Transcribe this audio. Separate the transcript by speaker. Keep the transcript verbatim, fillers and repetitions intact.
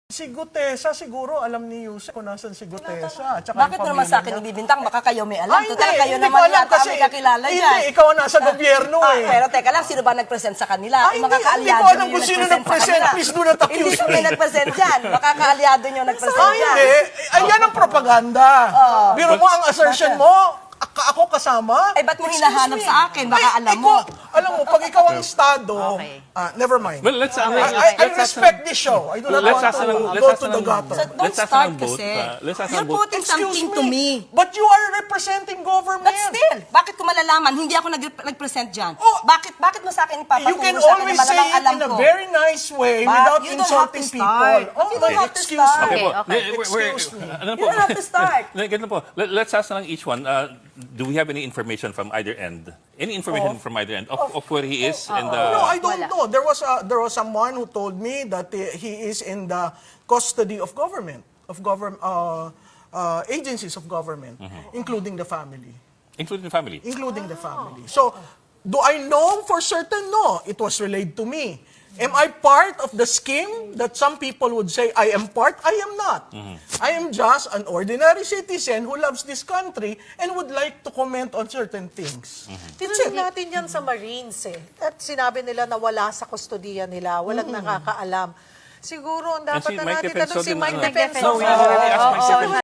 Speaker 1: Si Gutesa, siguro alam ni Yusek kung nasan si Gutesa. Tsaka
Speaker 2: Bakit
Speaker 1: yung
Speaker 2: naman
Speaker 1: pamilya
Speaker 2: sa akin
Speaker 1: niya.
Speaker 2: ibibintang? Baka kayo may alam.
Speaker 1: Ah,
Speaker 2: Total,
Speaker 1: hindi,
Speaker 2: kayo
Speaker 1: hindi
Speaker 2: naman
Speaker 1: ko alam
Speaker 2: yata
Speaker 1: kasi-
Speaker 2: may kakilala
Speaker 1: Hindi,
Speaker 2: dyan.
Speaker 1: ikaw ang nasa gobyerno
Speaker 2: Ah,
Speaker 1: eh.
Speaker 2: pero teka lang, sino ba nag-present sa kanila?
Speaker 1: Ah,
Speaker 2: Yung
Speaker 1: hindi,
Speaker 2: mga
Speaker 1: hindi
Speaker 2: kaalyado
Speaker 1: ko alam
Speaker 2: nyo
Speaker 1: kung sino
Speaker 2: nag-present sa
Speaker 1: nag-present.
Speaker 2: kanila.
Speaker 1: Please do not accuse
Speaker 2: Hindi kami
Speaker 1: me.
Speaker 2: nag-present dyan. Baka kaalyado nyo nag-present
Speaker 1: Ah,
Speaker 2: dyan.
Speaker 1: hindi. Ayan ang propaganda. Biro mo ang assertion mo, ak- ako kasama.
Speaker 2: Ay, ba't mo
Speaker 1: Excuse
Speaker 2: hinahanap
Speaker 1: me.
Speaker 2: sa akin? Baka
Speaker 1: Ay,
Speaker 2: alam
Speaker 1: ikaw-
Speaker 2: mo.
Speaker 1: Alam mo, pag ikaw ang estado,
Speaker 3: Okay.
Speaker 1: ah, never mind.
Speaker 4: Well, let's, uh,
Speaker 1: I, I, I
Speaker 4: let's ask
Speaker 1: respect this show. I do not
Speaker 4: Let's
Speaker 1: want
Speaker 4: ask
Speaker 1: to
Speaker 4: ng- let's
Speaker 1: go
Speaker 4: ask
Speaker 1: to the
Speaker 4: ng-
Speaker 1: gutter.
Speaker 2: So don't
Speaker 4: Let's ask
Speaker 2: start
Speaker 4: ng vote,
Speaker 2: kasi.
Speaker 4: uh, let's ask ng
Speaker 2: You're
Speaker 4: vote.
Speaker 2: putting
Speaker 1: Excuse
Speaker 2: something to me.
Speaker 1: But you are representing government.
Speaker 2: But still, bakit ko malalaman? Hindi ako nag- nag-present dyan.
Speaker 1: Oh,
Speaker 2: bakit bakit mo sa akin ipapaturo
Speaker 1: You can
Speaker 2: sa akin
Speaker 1: always
Speaker 2: na
Speaker 1: say
Speaker 2: malamang
Speaker 1: it
Speaker 2: alam
Speaker 1: in a
Speaker 2: ko?
Speaker 1: very nice way
Speaker 2: But
Speaker 1: without
Speaker 2: you don't have
Speaker 1: insulting
Speaker 2: to
Speaker 1: people.
Speaker 2: start.
Speaker 1: Oh,
Speaker 2: You don't have to
Speaker 1: excuse
Speaker 2: start.
Speaker 1: me.
Speaker 4: Okay po.
Speaker 3: Okay, okay.
Speaker 4: Eh, we're- we're-
Speaker 1: Excuse me.
Speaker 4: ano
Speaker 2: You don't have to start.
Speaker 4: Ganito po. Let- Let's ask na lang each one. Uh, do we have any information from either end? Any information from either end of, of where he is? and uh,
Speaker 1: No, I don't
Speaker 3: Wala.
Speaker 1: know. There was a, there was someone who told me that uh, he is in the custody of government, of government uh, uh, agencies of government, including the family,
Speaker 4: including the family.
Speaker 1: including the family. So, do I know for certain? No, it was relayed to me. Am I part of the scheme that some people would say I am part? I am not. I am just an ordinary citizen who loves this country and would like to comment on certain things.
Speaker 5: Tinanong natin yan sa Marines eh. At sinabi nila na wala sa kustodiya nila, walang nakakaalam. Siguro, ang dapat
Speaker 4: si
Speaker 5: na
Speaker 4: Mike
Speaker 5: natin
Speaker 4: Defenso
Speaker 5: tanong si
Speaker 4: din
Speaker 5: Mike
Speaker 4: na-
Speaker 5: Defenso.
Speaker 4: No, we already asked Mike
Speaker 5: Oo,
Speaker 4: Defenso.